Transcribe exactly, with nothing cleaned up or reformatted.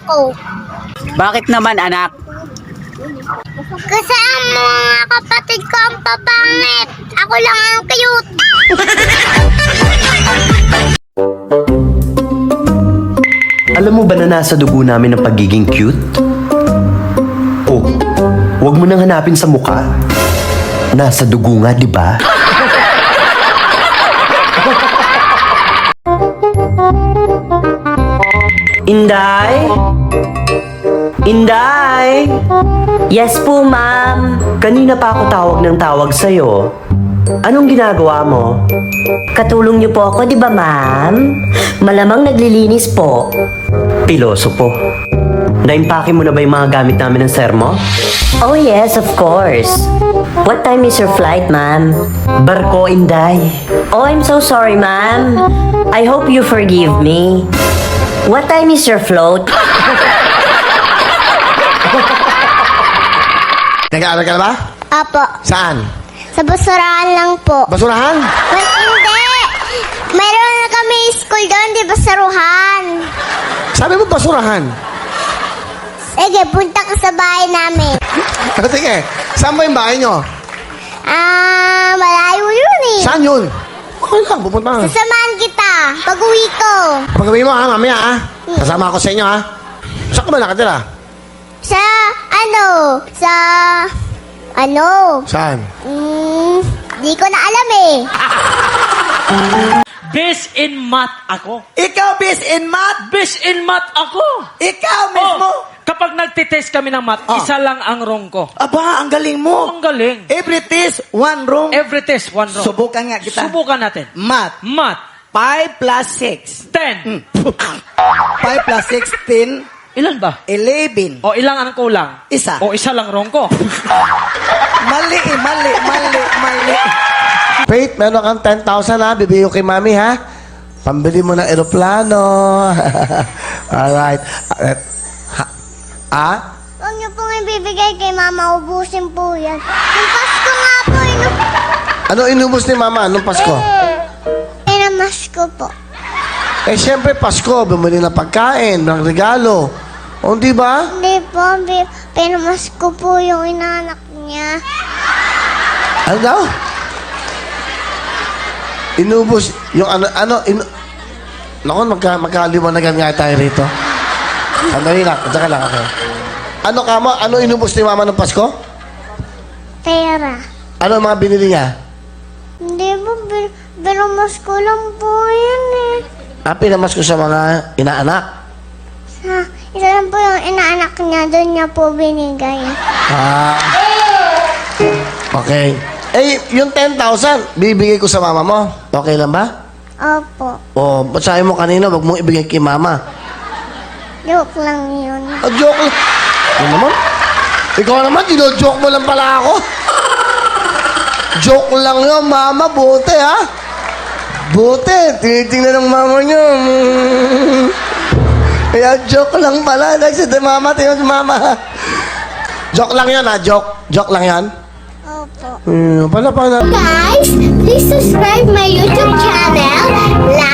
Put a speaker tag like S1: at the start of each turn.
S1: ako.
S2: Bakit naman, anak?
S1: Kasi ang mga kapatid ko ang papangit. Ako lang ang cute.
S3: Alam mo ba na nasa dugo namin ang pagiging cute? Oh, huwag mo nang hanapin sa mukha. Nasa dugo nga, di ba? Inday? Inday?
S4: Yes po, ma'am.
S3: Kanina pa ako tawag ng tawag sa'yo. Anong ginagawa mo?
S4: Katulong niyo po ako, di ba, ma'am? Malamang naglilinis po.
S3: Piloso po. Naimpake mo na ba yung mga gamit namin ng sir mo?
S4: Oh, yes, of course. What time is your flight, ma'am?
S3: Barko, Inday.
S4: Oh, I'm so sorry, ma'am. I hope you forgive me. What time is your float?
S5: Nag-aaral ka na ba?
S1: Apo,
S5: Saan?
S1: sa basurahan lang po.
S5: Basurahan?
S1: Well, hindi. Meron na kami school doon, di basaruhan.
S5: Sabi mo basurahan.
S1: Sige, punta ka sa bahay namin.
S5: Sige, saan ba yung bahay nyo?
S1: Ah, malayo yun eh.
S5: Saan yun? Okay lang, pupunta ka.
S1: Sasamahan kita pag uwi ko.
S5: Pag-uwi mo ha, mamaya ha. Kasama ako sa inyo ha. Saan ka ba nakatira?
S1: Sa, ano, sa, ano,
S5: Saan?
S1: hmm, di ko na alam eh.
S6: Best in math ako.
S7: Ikaw, bis in math?
S6: Best in math ako.
S7: Ikaw mismo?
S6: Oh, kapag nagtitest kami ng math,
S7: Oh.
S6: isa lang ang wrong ko.
S7: Aba, ang galing mo.
S6: Ang galing.
S7: Every test, one wrong.
S6: Every test, one wrong.
S7: Subukan nga kita.
S6: Subukan natin.
S7: Math.
S6: Math,
S7: five plus six.
S6: ten.
S7: five plus sixteen,
S6: Ilan ba?
S7: eleven.
S6: O ilang ang kulang?
S7: Isa.
S6: O isa lang wrong ko.
S7: Mali, eh, mali, mali, mali.
S5: Faith, meron kang ten thousand ha. Bibigay ko kay mami ha. Pambili mo ng eroplano. Alright. Uh, ha? Ah?
S1: Huwag niyo pong ibibigay kay mama, ubusin po yan. Yung Pasko nga po, inu...
S5: Ano inubos ni mama? Anong Pasko?
S1: Eh, namas ko po.
S5: Eh, syempre, Pasko. Bumili ng pagkain, ng regalo. O, di ba?
S1: Hindi po, bi- pinamas ko po yung inanak niya.
S5: Ano daw? Inubos yung ano, ano, inu... Naku, magka, magkaliwanagan nga tayo rito. Sandali lang, tsaka lang ako. Ano ka mo? Ano inubos ni mama ng Pasko?
S1: Pera.
S5: Ano ang mga binili niya?
S1: Hindi po, bi- pinamas ko lang po yan eh.
S5: Ah, pinamas ko sa mga inaanak.
S1: Sa, isa lang po yung inaanak niya, doon niya po binigay.
S5: Ah. Okay. Eh, yung ten thousand, bibigay ko sa mama mo. Okay lang ba?
S1: Opo,
S5: O, ba't sabi mo kanina, wag mong ibigay kay mama?
S1: joke lang yun.
S5: Ah, joke lang. Ano naman? Ikaw naman, dino-joke mo lang pala ako. Joke lang yun, mama. Buti, ha? Buti. Tinitingnan ng mama niyo. Mm. Kaya joke lang pala. Nagsabi, mama, tingnan si mama. Joke lang yun, ha? Joke. Joke lang yan.
S1: Opo.
S5: Hmm, pala pala.
S1: Guys, please subscribe my YouTube channel, like,